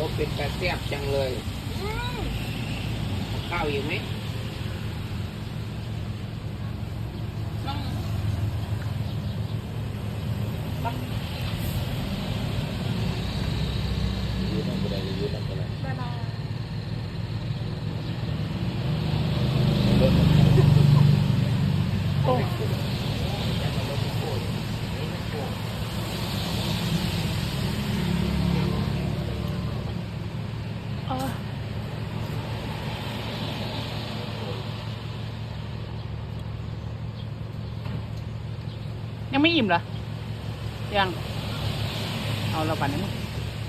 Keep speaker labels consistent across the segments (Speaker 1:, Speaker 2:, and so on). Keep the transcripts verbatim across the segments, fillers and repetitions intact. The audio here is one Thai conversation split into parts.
Speaker 1: เป็นกระแซ่บจังเลยข้าวอยู่ไหมยืดนั่งไปเลยยืดนั่งไปเลยโอ้
Speaker 2: ยังไม่อิ่มเหรอยังเอาเราปั่นให้มึง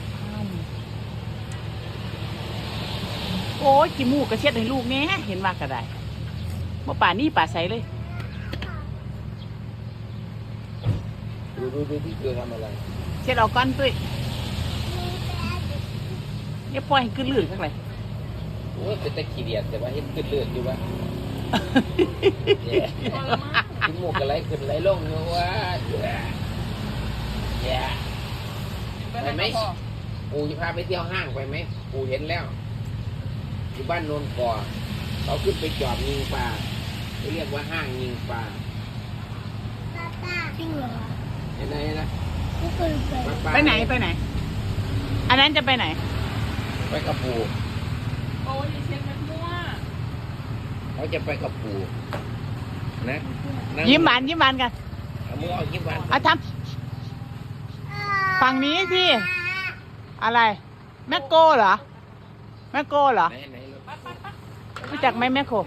Speaker 2: โอ้ยกินหมูกระเช็ดให้ลูกแน่เห็นว่าก็ได้เมื่อป่านนี่ป่าใสเลย
Speaker 1: ดูดูดูที่เกลือทำอะไร
Speaker 2: เช็ดเอาก้อนตุ้ยเนี่ยปล่อยให้ขึ้นลื่นข้างใน
Speaker 1: โอ้ยเป็นตะขี้เดียดแต่ว่าเห็นขึ้นเลือดอยู่วะกินหมูกอะไรขึ้นไหลลงเนาะวะแย่ไปไหมปูจะพาไปเที่ยวห้างไปไหมปูเห็นแล้วอยู่บ้านโนนก่อเขาขึ้นไปจอบยิงปลาเขาเรียกว่าห้างยิงปลา
Speaker 3: จริงเหรอ
Speaker 1: เห็นไหมนะ
Speaker 3: ไม่เคยไป
Speaker 2: ไปไหนไปไหน อันนั้นจะไปไหน
Speaker 1: ไปกับปู
Speaker 2: โอ้ยเช็ดมันมั่ว
Speaker 1: เขาจะไปกับปูนะง
Speaker 2: ยิ้มหวานยิ้มหวานกัน
Speaker 1: เอามือเอายิ้มหวาน
Speaker 2: เอาทำฝั่งนี้สิอะไรแมคโก้เหรอแมคโก้เหรอ
Speaker 1: ไหนไหน
Speaker 2: รู้จักไหมแมคโคร